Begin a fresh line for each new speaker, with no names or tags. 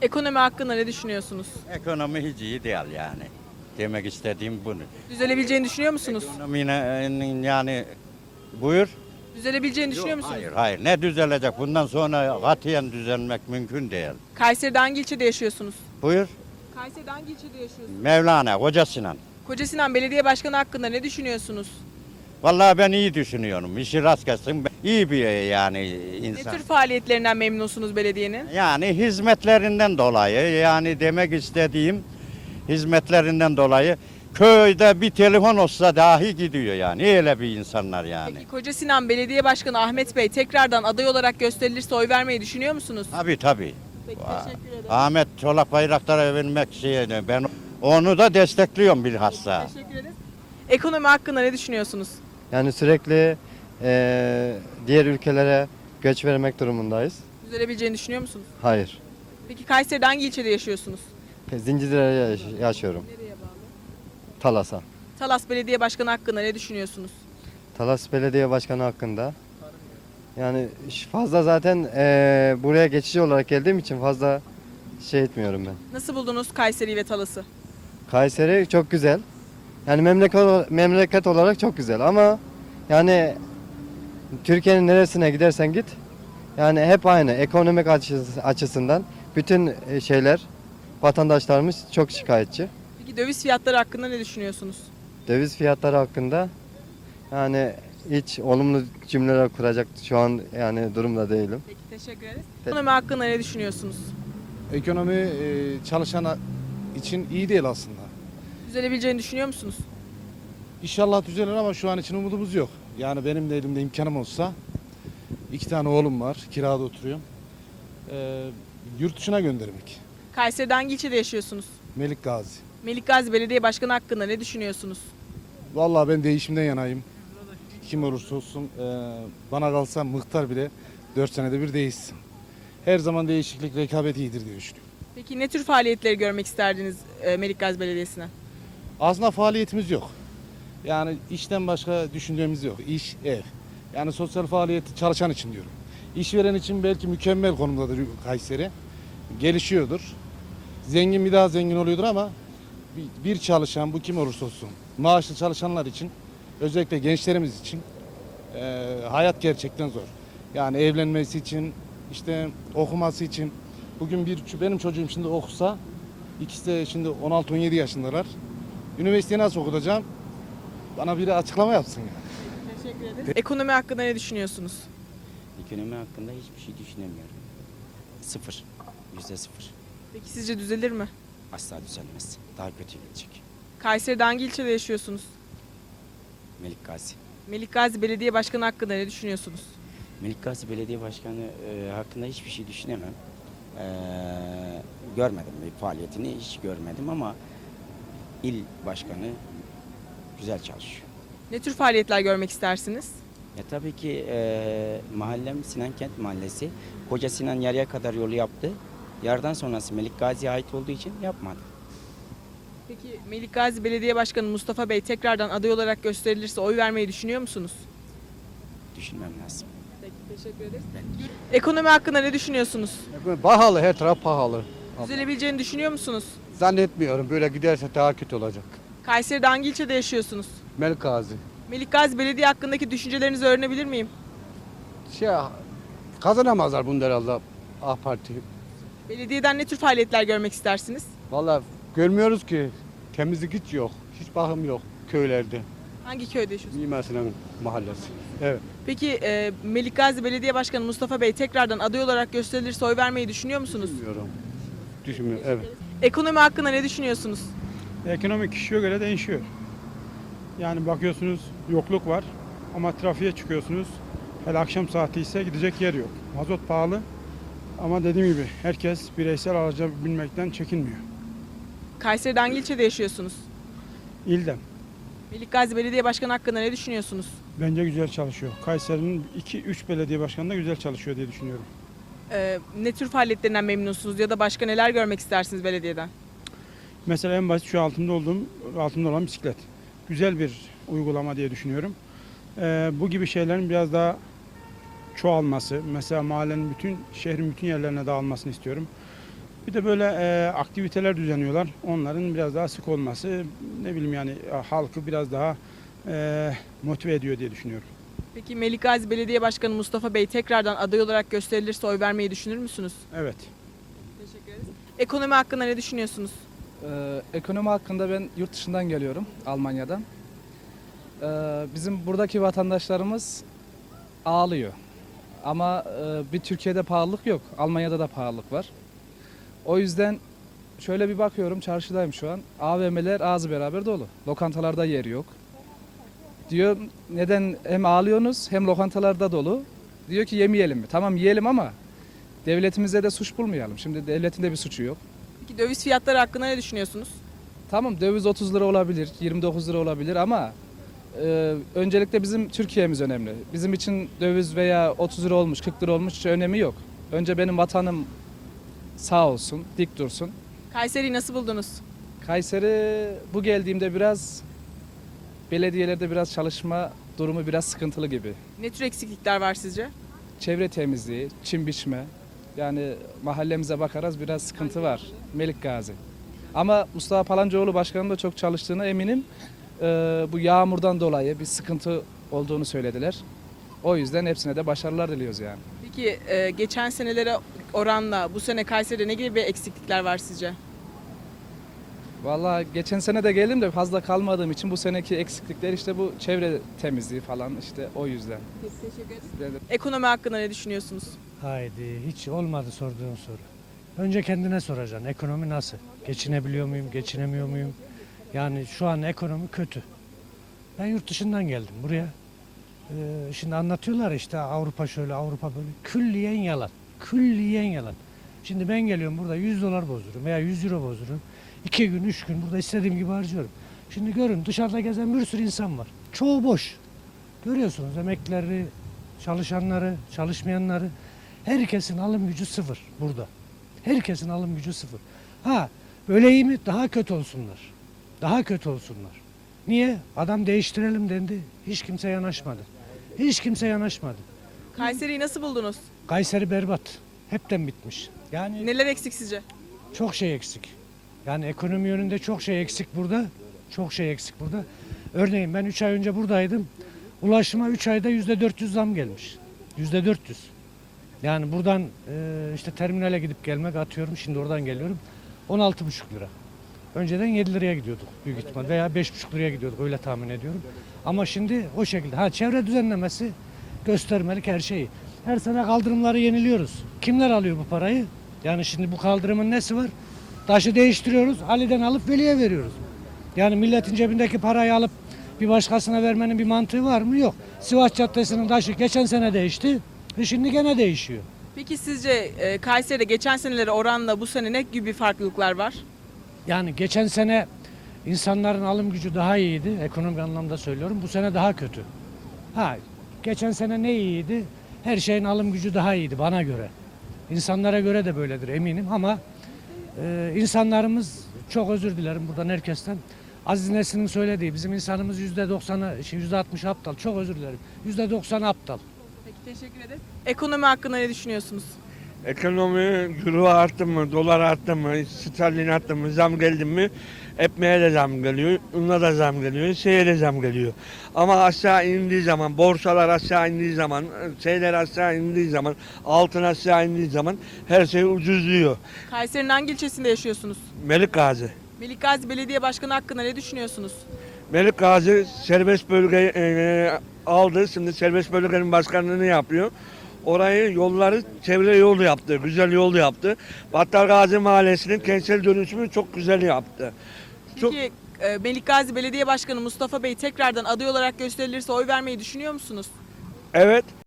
Ekonomi hakkında ne düşünüyorsunuz?
Ekonomi hiç iyi değil yani. Demek istediğim bunu.
Düzelebileceğini düşünüyor musunuz?
Ekonominin yani buyur.
Düzelebileceğini düşünüyor musunuz?
Hayır hayır ne düzelecek bundan sonra katiyen düzelmek mümkün değil.
Kayseri'de hangi ilçede yaşıyorsunuz?
Buyur.
Kayseri'de hangi ilçede yaşıyorsunuz?
Mevlana Koca Sinan.
Kocasinan Belediye Başkanı hakkında ne düşünüyorsunuz?
Vallahi ben iyi düşünüyorum. İşi rast gelsin. İyi bir yani
Ne
insan.
tür faaliyetlerinden memnunsunuz belediyenin?
Yani hizmetlerinden dolayı yani demek istediğim hizmetlerinden dolayı köyde bir telefon olsa dahi gidiyor yani. Öyle bir insanlar yani.
Peki Kocasinan Belediye Başkanı Ahmet Bey tekrardan aday olarak gösterilirse oy vermeyi düşünüyor musunuz?
Tabii tabii.
Peki teşekkür ederim.
Ahmet Çolak Bayraktar'a vermek ben onu da destekliyorum bilhassa.
Teşekkür ederiz. Ekonomi hakkında ne düşünüyorsunuz?
Yani sürekli diğer ülkelere göç vermek durumundayız.
Düzelebileceğini düşünüyor musunuz?
Hayır.
Peki Kayseri'de hangi ilçede yaşıyorsunuz?
Zincirlere yaşıyorum.
Nereye bağlı?
Talas'a.
Talas Belediye Başkanı hakkında ne düşünüyorsunuz?
Talas Belediye Başkanı hakkında. Yani fazla zaten buraya geçici olarak geldiğim için fazla şey etmiyorum ben.
Nasıl buldunuz Kayseri ve Talas'ı?
Kayseri çok güzel. Yani memleket olarak çok güzel ama yani Türkiye'nin neresine gidersen git yani hep aynı ekonomik açısından bütün şeyler vatandaşlarımız çok şikayetçi.
Peki döviz fiyatları hakkında ne düşünüyorsunuz?
Döviz fiyatları hakkında yani hiç olumlu cümleler kuracak şu an yani durumda değilim.
Peki teşekkür ederiz. Ekonomi hakkında ne düşünüyorsunuz?
Ekonomi çalışan için iyi değil aslında.
Düzelebileceğini düşünüyor musunuz?
İnşallah düzelir ama şu an için umudumuz yok. Yani benim de elimde imkanım olsa 2 tane oğlum var, kirada oturuyorum. Yurt dışına göndermek.
Kayseri'de hangi ilçede yaşıyorsunuz?
Melik Gazi.
Melikgazi Belediye Başkanı hakkında ne düşünüyorsunuz?
Vallahi ben değişimden yanayım. Kim olursa olsun bana kalsa muhtar bile 4 senede bir değişsin. Her zaman değişiklik, rekabet iyidir diye düşünüyorum.
Peki ne tür faaliyetleri görmek isterdiniz Melikgazi Belediyesi'ne?
Aslında faaliyetimiz yok. Yani işten başka düşündüğümüz yok. İş, ev. Yani sosyal faaliyeti çalışan için diyorum. İşveren için belki mükemmel konumdadır Kayseri. Gelişiyordur. Zengin bir daha zengin oluyordur ama bir çalışan bu kim olursa olsun maaşlı çalışanlar için özellikle gençlerimiz için hayat gerçekten zor. Yani evlenmesi için işte okuması için bugün benim çocuğum şimdi okusa ikisi de şimdi 16-17 yaşındalar. Üniversiteyi nasıl okutacağım? Bana biri açıklama yapsın ya.
Teşekkür ederim. Ekonomi hakkında ne düşünüyorsunuz?
Ekonomi hakkında hiçbir şey düşünemiyorum. Sıfır. %0.
Peki sizce düzelir mi?
Asla düzelmez. Daha kötü gidecek.
Kayseri'de hangi ilçede yaşıyorsunuz?
Melik Gazi.
Melikgazi Belediye Başkanı hakkında ne düşünüyorsunuz?
Melik Gazi Belediye Başkanı hakkında hiçbir şey düşünemem. Görmedim bir faaliyetini hiç görmedim ama il başkanı güzel çalışıyor.
Ne tür faaliyetler görmek istersiniz?
Tabii ki mahallem Sinankent Mahallesi. Koca Sinan yarıya kadar yolu yaptı. Yardan sonrası Melik Gazi'ye ait olduğu için yapmadı.
Peki Melikgazi Belediye Başkanı Mustafa Bey tekrardan aday olarak gösterilirse oy vermeyi düşünüyor musunuz?
Düşünmem lazım.
Peki teşekkür ederiz. Ekonomi hakkında ne düşünüyorsunuz?
Pahalı, her taraf pahalı.
Düzelebileceğini düşünüyor musunuz?
Zannetmiyorum, böyle giderse daha kötü olacak.
Kayseri'de hangi ilçede yaşıyorsunuz?
Melik Gazi.
Melikgazi Belediye hakkındaki düşüncelerinizi öğrenebilir miyim?
Şey, kazanamazlar bunu herhalde AK Parti.
Belediyeden ne tür faaliyetler görmek istersiniz?
Vallahi görmüyoruz ki, temizlik hiç yok. Hiç bakım yok köylerde.
Hangi köyde yaşıyorsunuz?
Mimar Sinan Mahallesi. Evet.
Peki Melikgazi Belediye Başkanı Mustafa Bey tekrardan aday olarak gösterilirse oy vermeyi düşünüyor musunuz?
Bilmiyorum. Düşünmüyorum, evet.
Ekonomi hakkında ne düşünüyorsunuz?
Ekonomi kişiye göre değişiyor. Yani bakıyorsunuz yokluk var ama trafiğe çıkıyorsunuz. Hele akşam saati ise gidecek yer yok. Mazot pahalı ama dediğim gibi herkes bireysel araca binmekten çekinmiyor.
Kayseri'de hangi ilçede yaşıyorsunuz?
İldem
Melikgazi Belediye Başkanı hakkında ne düşünüyorsunuz?
bence güzel çalışıyor. Kayseri'nin 2-3 belediye başkanı da güzel çalışıyor diye düşünüyorum.
Ne tür faaliyetlerinden memnunsunuz ya da başka neler görmek istersiniz belediyeden?
Mesela en basit şu altımda olan bisiklet. Güzel bir uygulama diye düşünüyorum. Bu gibi şeylerin biraz daha çoğalması, mesela mahallenin şehrin bütün yerlerine dağılmasını istiyorum. Bir de böyle aktiviteler düzenliyorlar. Onların biraz daha sık olması ne bileyim yani halkı biraz daha motive ediyor diye düşünüyorum.
Peki Melikgazi Belediye Başkanı Mustafa Bey tekrardan aday olarak gösterilirse oy vermeyi düşünür müsünüz?
Evet.
Teşekkür ederiz. Ekonomi hakkında ne düşünüyorsunuz?
Ekonomi hakkında ben yurt dışından geliyorum, Almanya'dan. Bizim buradaki vatandaşlarımız ağlıyor. Ama bir Türkiye'de pahalılık yok, Almanya'da da pahalılık var. O yüzden şöyle bir bakıyorum, çarşıdayım şu an. AVM'ler ağzı beraber dolu. Lokantalarda yer yok. Diyor neden hem ağlıyorsunuz hem lokantalarda dolu. Diyor ki yemeyelim mi? Tamam yiyelim ama devletimize de suç bulmayalım. Şimdi devletin de bir suçu yok.
Peki döviz fiyatları hakkında ne düşünüyorsunuz?
Tamam döviz 30 lira olabilir, 29 lira olabilir ama öncelikle bizim Türkiye'miz önemli. Bizim için döviz veya 30 lira olmuş, 40 lira olmuş hiç önemi yok. Önce benim vatanım sağ olsun, dik dursun.
Kayseri'yi nasıl buldunuz?
Kayseri bu geldiğimde biraz belediyelerde biraz çalışma durumu biraz sıkıntılı gibi.
Ne tür eksiklikler var sizce?
Çevre temizliği, çim biçme. Yani mahallemize bakarız biraz sıkıntı var. Melikgazi. Ama Mustafa Palancıoğlu Başkanı'nın da çok çalıştığına eminim. Bu yağmurdan dolayı bir sıkıntı olduğunu söylediler. O yüzden hepsine de başarılar diliyoruz yani.
Peki geçen senelere oranla bu sene Kayseri'de ne gibi eksiklikler var sizce?
Vallahi geçen sene de geldim de fazla kalmadığım için bu seneki eksiklikler işte bu çevre temizliği falan işte o yüzden.
Teşekkür ederim. Ekonomi hakkında ne düşünüyorsunuz?
Haydi hiç olmadı sorduğun soru. Önce kendine soracaksın ekonomi nasıl? Geçinebiliyor muyum, geçinemiyor muyum? Yani şu an ekonomi kötü. Ben yurt dışından geldim buraya. Şimdi anlatıyorlar işte Avrupa şöyle Avrupa böyle. Külliyen yalan. Külliyen yalan. Şimdi ben geliyorum burada 100 dolar bozdururum veya 100 euro bozdururum. 2 gün 3 gün burada istediğim gibi harcıyorum. Şimdi görün dışarıda gezen bir sürü insan var. Çoğu boş. Görüyorsunuz emeklileri, çalışanları, çalışmayanları. Herkesin alım gücü sıfır burada. Herkesin alım gücü sıfır. Ha böyle iyi mi? Daha kötü olsunlar. Daha kötü olsunlar. Niye? Adam değiştirelim dendi. Hiç kimse yanaşmadı. Hiç kimse yanaşmadı.
Kayseri'yi nasıl buldunuz?
Kayseri berbat. Hepten bitmiş. Yani
Neler eksik sizce?
çok şey eksik. Yani ekonomi yönünde çok şey eksik burada. Çok şey eksik burada. Örneğin ben 3 ay önce buradaydım. Ulaşıma 3 ayda %400 zam gelmiş. %400. Yani buradan işte terminale gidip gelmek atıyorum. Şimdi oradan geliyorum. 16,5 lira. Önceden 7 liraya gidiyorduk büyük ihtimal veya 5,5 liraya gidiyorduk öyle tahmin ediyorum. Ama şimdi o şekilde. Ha çevre düzenlemesi göstermelik her şeyi. Her sene kaldırımları yeniliyoruz. Kimler alıyor bu parayı? Yani şimdi bu kaldırımın nesi var? Taşı değiştiriyoruz. Ali'den alıp Veli'ye veriyoruz. Yani milletin cebindeki parayı alıp bir başkasına vermenin bir mantığı var mı? Yok. Sivas Caddesi'nin taşı geçen sene değişti. Şimdi gene değişiyor.
Peki sizce Kayseri'de geçen senelere oranla bu sene ne gibi farklılıklar var?
Yani geçen sene insanların alım gücü daha iyiydi. Ekonomik anlamda söylüyorum. Bu sene daha kötü. Ha, geçen sene ne iyiydi? Her şeyin alım gücü daha iyiydi bana göre. İnsanlara göre de böyledir eminim ama insanlarımız çok özür dilerim buradan herkesten. Aziz Nesin'in söylediği bizim insanımız %90'ı, %60 aptal. Çok özür dilerim. %90 aptal.
Peki teşekkür ederim. Ekonomi hakkında ne düşünüyorsunuz?
Ekonomi euro arttı mı, dolar arttı mı, sterlin arttı mı, zam geldi mi? Ekmeğe de zam geliyor, unla da zam geliyor, şeye de zam geliyor. Ama aşağı indiği zaman, borsalar aşağı indiği zaman, şeyler aşağı indiği zaman, altın aşağı indiği zaman her şey ucuzluyor.
Kayseri'nin hangi ilçesinde yaşıyorsunuz?
Melikgazi.
Melikgazi Belediye Başkanı hakkında ne düşünüyorsunuz?
Melikgazi serbest bölge aldı, şimdi serbest bölgenin başkanlığını yapıyor. Orayı yolları çevre yolu yaptı, güzel yol yaptı. Battalgazi Mahallesi'nin kentsel dönüşümü çok güzel yaptı.
Peki Melikgazi Belediye Başkanı Mustafa Bey tekrardan aday olarak gösterilirse oy vermeyi düşünüyor musunuz?
Evet.